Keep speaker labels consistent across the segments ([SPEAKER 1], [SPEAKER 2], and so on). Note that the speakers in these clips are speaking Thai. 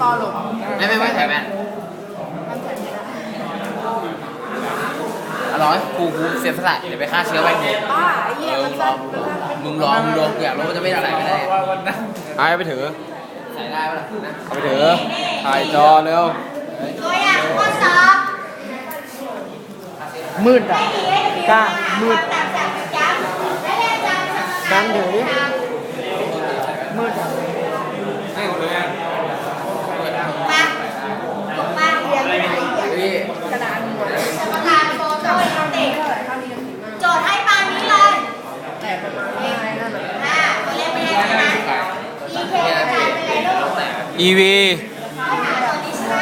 [SPEAKER 1] ตอนหลง
[SPEAKER 2] ไม่ใส่แว่นอร่อยกูเสียสละเดี๋ยวไปฆ่าเชื้อไว้มึง
[SPEAKER 1] บ้าไอ้เหี้ย
[SPEAKER 2] มึงลองอยากรู้ว่าจะไม่อะไรไม่ได้
[SPEAKER 3] เอาไปถือ
[SPEAKER 2] ใส่ได้ปะล่ะ
[SPEAKER 3] เอาไปถือถ่ายจอเร็ว
[SPEAKER 4] ตัวอย่างข้อสอบ
[SPEAKER 1] มืดอ่ะกล้ามืดการถือดิมืดอ่ะ
[SPEAKER 3] ให้หมดเลย
[SPEAKER 4] มามาเรียนไป
[SPEAKER 1] กระดานหมด
[SPEAKER 4] สมการโฟโต้เด็กโจทย์ให้ปานนี้เลย
[SPEAKER 1] แต่ประมาณอะไรนั่นแหละ
[SPEAKER 4] ตัวเลขไม่ได้ใช่ไหม EK กระจายไปเลยลูก
[SPEAKER 3] EV
[SPEAKER 4] ข้อหาตัวนี้ใช่ไหม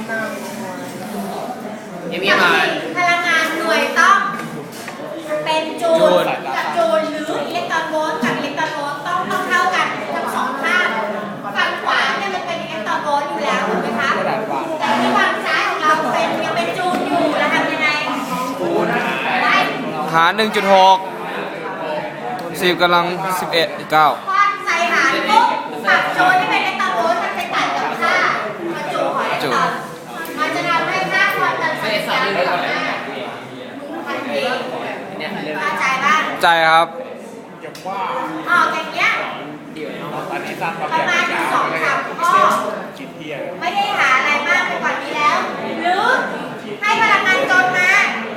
[SPEAKER 2] มา
[SPEAKER 4] พลังงานหน่วยต้องเป็นจูลกับจูลหรืออิเล็กตรอนโวลต์กับอิเล็กตรอนโวลต์ต้องเท่ากันทั้งสองข้างฝั่งขวาเนี่ยมันเป็นอิเล็กตรอนโวลต์อยู่แล้วถูกไหมคะแต่ที่ฝั่งซ้ายของเรายังเป็นจูลอยู่แล้วทำยังไงได้
[SPEAKER 3] หาร 1.6 10 กำลัง 11 9
[SPEAKER 4] พอใส่หารปุ๊บฝั่งจูลที่เป็นอิเล็กตรอนโวลต์มันไปตัดกับค่าจูลของอิเล็กตรอนมันจะทำให้ค่าความดันไฟฟ้าเกิดขึ้นทันทีเข้าใจบ้าง
[SPEAKER 3] ใจครับ
[SPEAKER 4] ออกอย่างเงี้ยประมาณ2-3ข้อไม่ได้หาอะไรมากไปกว่านี้แล้ว หรือให้พลังงานจนมา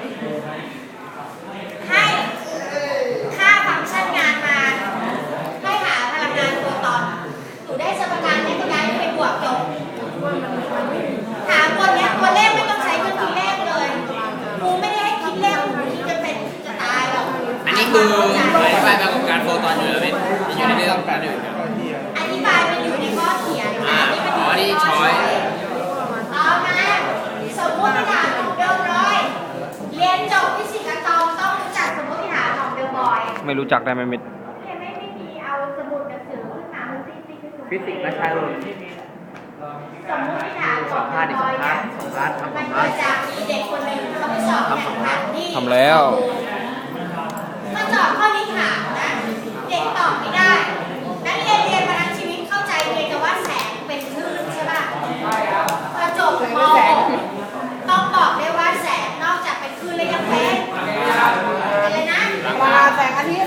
[SPEAKER 4] ให้ค่าฟังก์ชันงานมาให้หาพลังงานโฟตอนหนูได้สมการนี้ก็ย้ายไปบวกจบหาตัวเนี้ยตัวเลขไม่ต้องใช้เครื่องคิดเลขเลยครูไม่ได้ให้คิดเลขครูคิดจะเป็นจะตายหรอก
[SPEAKER 2] อันนี้คืออธิบายมาของการโฟตอนอยู่แล้วเป็นอยู่ในเรื่องการอื่น
[SPEAKER 4] อธิบายมันอยู่ในข้อเขียนนะนี่มันอยู่ในข้อเขียนเอามาสมมติฐานของเดลบอยเรียนจบฟิสิกส์อะตอมต้องรู้จักสมมติฐานของเดลบอย
[SPEAKER 3] ไม่รู้จักได้ไหมเม็ด
[SPEAKER 4] ไม่มีเอาสมุดหนังสือขึ้นมามันติ๊กๆ
[SPEAKER 2] ฟิสิกส์ไม่ใช่หรอก
[SPEAKER 4] สมมติฐานของเดลบอยเนี่ยมันเกิดจากมีเด็กคนหนึ่งเขาไปสอบแข่งขันที่
[SPEAKER 3] ทำแล้ว
[SPEAKER 4] มาตอบข้อนี้ถามนะเด็กตอบไม่ได้นักเรียนมาทั้งชีวิตเข้าใจเพียงแต่ว่าแสงเป็นคลื่นใช่ป่ะพอจบม .6 ต้องบอกได้ว่าแสงนอกจากเป็นคลื่นแล้วยังเป็นอะไรนะ
[SPEAKER 1] ปลาแสงอาทิตย์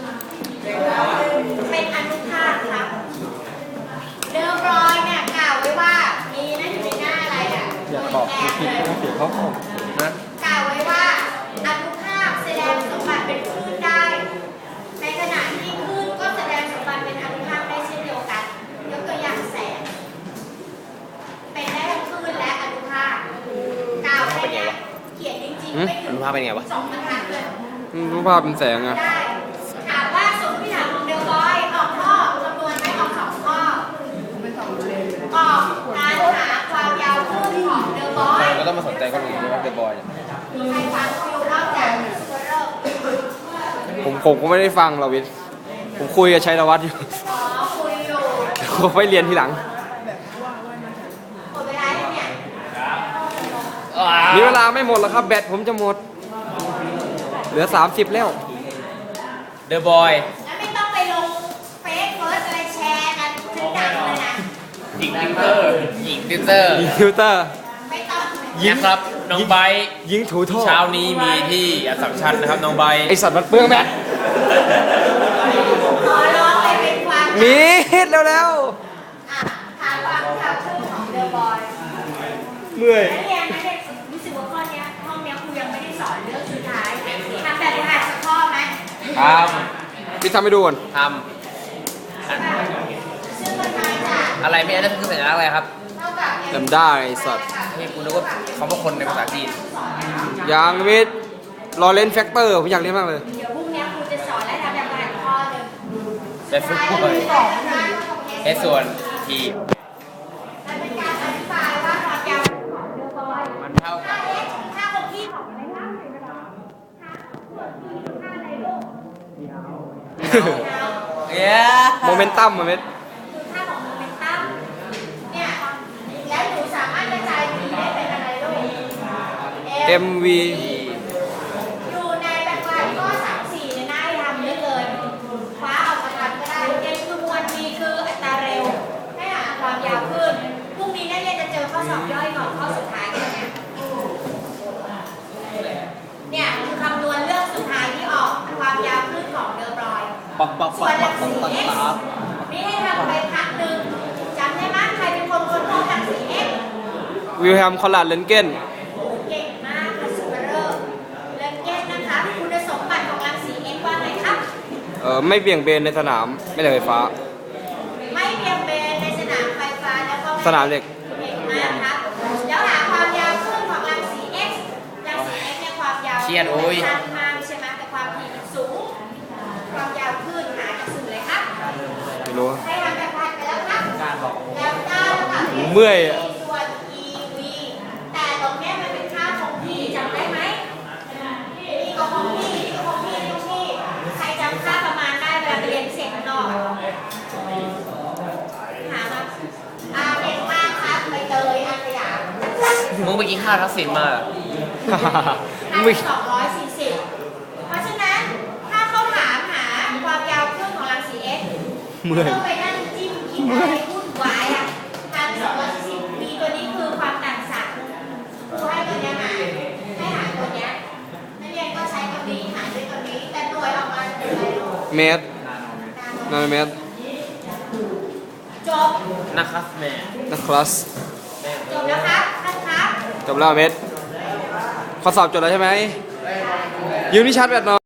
[SPEAKER 4] เป็นอนุภาคครับเดอร์บรอยเนี่ยกล่าวไว้ว่ามีนะอยู่ในหน้าอะไรอ่ะ
[SPEAKER 3] อยากตอบผิดต้องเสียเขานะ
[SPEAKER 4] กล่าวไว้ว่าอนุภาคแสดงสมบัติเป็นคลื่นได้ในขณะที่คลื่นก็แสดงสมบัติเป็นอนุภาคได้เช่นเดียวกันยกตัวอย่างแสงเป็นได้ทั้งคลื่นและอนุภาคกล่าวแค่เนี้ยเขียนจริงๆไม่ถึง
[SPEAKER 2] อนุภาคเป็นไงวะ
[SPEAKER 4] 2 บรรทัดเลย
[SPEAKER 3] รูปภาพเป็นแสงอะ
[SPEAKER 4] ได้ถามว่าสมมติฐานของเดลบอยออกข้อคำนวณไม่ออก2 ข้อออกการหาความยาวคลื่นของเดลบอย
[SPEAKER 3] ก็ต้องมาสนใจคนอื่นด้วยว่าเดอะบอย
[SPEAKER 4] ใครฟังอยู่นอกจากซูเปอร์เริ่ม
[SPEAKER 3] ผมก็ไม่ได้ฟังเราวิทย์ผมคุยกับชัยวัฒน์อยู่
[SPEAKER 4] อ๋อคุยอยู่
[SPEAKER 3] เขาไปเรียนทีหลัง
[SPEAKER 4] หมดเวลาแล้วเนี่ย
[SPEAKER 3] มีเวลาไม่หมดแล้วครับแบตผมจะหมด เหลือ 30 แล้ว
[SPEAKER 2] เดอะบอย
[SPEAKER 4] แล้วไม่ต้องไปลงเฟซเฟิร์สอะไรแชร์กันฉันดังเลยนะ
[SPEAKER 2] หญิงติวเตอร์หญิงติวเตอร์
[SPEAKER 3] ยิงฟิลเตอร์
[SPEAKER 4] ไม่ต้อง
[SPEAKER 2] นะครับน้องไบร์ท
[SPEAKER 3] ยิงถูท่อ
[SPEAKER 2] เช้านี้มีที่อัสสัมชัญนะครับน้องไบร์ท
[SPEAKER 3] ไอสัตว์มันเปลืองแบต
[SPEAKER 4] ขอร้องเลยเป็นความ
[SPEAKER 3] มีแล้ว
[SPEAKER 4] อ่ะถามความข่าวชื่อของเดอะบอย
[SPEAKER 3] เมื่อย
[SPEAKER 4] นักเรียนรู้สึกว่าข้อเนี้ยห้องเนี้ยครูยังไม่ได้สอนเรื่องสุดท้ายทำแบบฝึกหัดสักข้อไหม
[SPEAKER 3] พี่ทำให้ดูก่อน
[SPEAKER 2] ท
[SPEAKER 4] ซึ่งมันมาจาก
[SPEAKER 2] ำอะไรไม่ได้คือสัญลักษณ์อะไรครับ
[SPEAKER 4] เท่ากับ
[SPEAKER 3] จำได้ไอสัตว์
[SPEAKER 2] นี่กูนึกว่าเขาเป็นคนในภาษาจีน
[SPEAKER 3] ยางวิทย์รอเลนแฟกเตอร์ผมอยากเรียนมากเลย
[SPEAKER 4] เดี๋ยวพรุ่งนี้ครูจะสอนและทำแบบฝึกหัดข้อหนึ่ง
[SPEAKER 2] แต่ฝึกพูดเลยในส่วนที่
[SPEAKER 4] มันเป็นการอธิบายว่าความยาวของเดอะบอย
[SPEAKER 2] มันเท่ากับ
[SPEAKER 4] ค่าคงที่ของอะไรบ้างค่าส่วนที่ค่าอะไรลูก
[SPEAKER 2] เย้
[SPEAKER 3] โมเมนตัมอะเม็ด
[SPEAKER 4] คือค่าของโมเมนตัมเนี่ยแล้วหนูสามารถกระจาย v ได้เป็นอะไรลูก
[SPEAKER 3] MV
[SPEAKER 4] อยู่ในแบบว่าข้อ3-4ในหน้าให้ทำได้เลยคว้าออกมาทำก็ได้ m คือมวล v คืออัตราเร็วให้หาความยาวขึ้นพรุ่งนี้สอบย่อยก่อนข้อสุดท้ายกันเนี่ยคือคำนวณเรื่องสุดท้ายที่ออกความยาวคลื่นของเดิมรอย
[SPEAKER 1] ปักปัก
[SPEAKER 4] ส่
[SPEAKER 1] ปั
[SPEAKER 4] ว
[SPEAKER 1] ก
[SPEAKER 4] นรั
[SPEAKER 1] ปั
[SPEAKER 4] ง
[SPEAKER 1] กปั
[SPEAKER 4] สี
[SPEAKER 1] ก
[SPEAKER 4] x
[SPEAKER 1] ปัก
[SPEAKER 4] นี่ให้ทำไปพักหนึ่งจำได้ไหมใครเป็นคนค้นพบรังสี x
[SPEAKER 3] วิลแฮมคอลลาดเลนเกน
[SPEAKER 4] เก่งมากค่ะซูเปอร์เรอร์เลนเกนนะคะคุณสมบัติของรังสี x ว่าไงครับ
[SPEAKER 3] ไม่เบี่ยงเบนในสนามแม่เหล็กไฟฟ้า
[SPEAKER 4] ไม่เบี่ยงเบนในสนามไฟฟ้าแล้วก็
[SPEAKER 3] สนามเหล็ก
[SPEAKER 4] เก่งมากครับแล้วหาความยาวคลื่นของรังสี x รังสี x เนี่ยความยาวสั้นมากใช่ไหมแต่ความถี่มันสูง ความยาวคลื่นหาจากสื่อเลยครับ
[SPEAKER 3] ไม่รู้
[SPEAKER 4] ให้ทำแบบพันไปแล้วครับ
[SPEAKER 1] การบอก
[SPEAKER 4] แล้วได้แล้วค่ะ
[SPEAKER 3] เมื่อยอะ
[SPEAKER 4] ส่วน EV แต่ตรงเนี้ยมันเป็นค่าคงที่จำได้ไหมนี่ก็คงที่นี่ก็คงที่นี่คงที่ใครจำค่าประมาณได้เวลาไปเรียนพิเศษข้างนอกอะหามาเก่งมากครับใบเตยอาสยาม
[SPEAKER 2] มึงไปกินข้าวทักษิณมาเหรอ
[SPEAKER 3] ไม่
[SPEAKER 4] 240เพราะฉะนั้นถ้าเขาถามหาความยาวคลื่นของรังสี X
[SPEAKER 3] เมื่อย
[SPEAKER 4] ต้องไปนั่งจิ้มคิดอะไรวุ่นวายอ่ะทาง240มีตัวนี้คือความต่างศักย์ครูให้ตัวเนี้ยหาให้หาตัวเนี้ยนักเรียนก็ใช้ตัวนี้หาด้วยตัวนี้แต่หน่วยออกมาเป็นอะไรลูก
[SPEAKER 3] เมตรนาโนเมตร
[SPEAKER 4] จบ
[SPEAKER 2] นะครับแม่
[SPEAKER 3] นะคลัส
[SPEAKER 4] จบแล้วครับท่านครับ
[SPEAKER 3] จบแล้วเมตรข้อสอบจบแล้วใช่ไหมยืมที่ชาร์จแบตหน่อย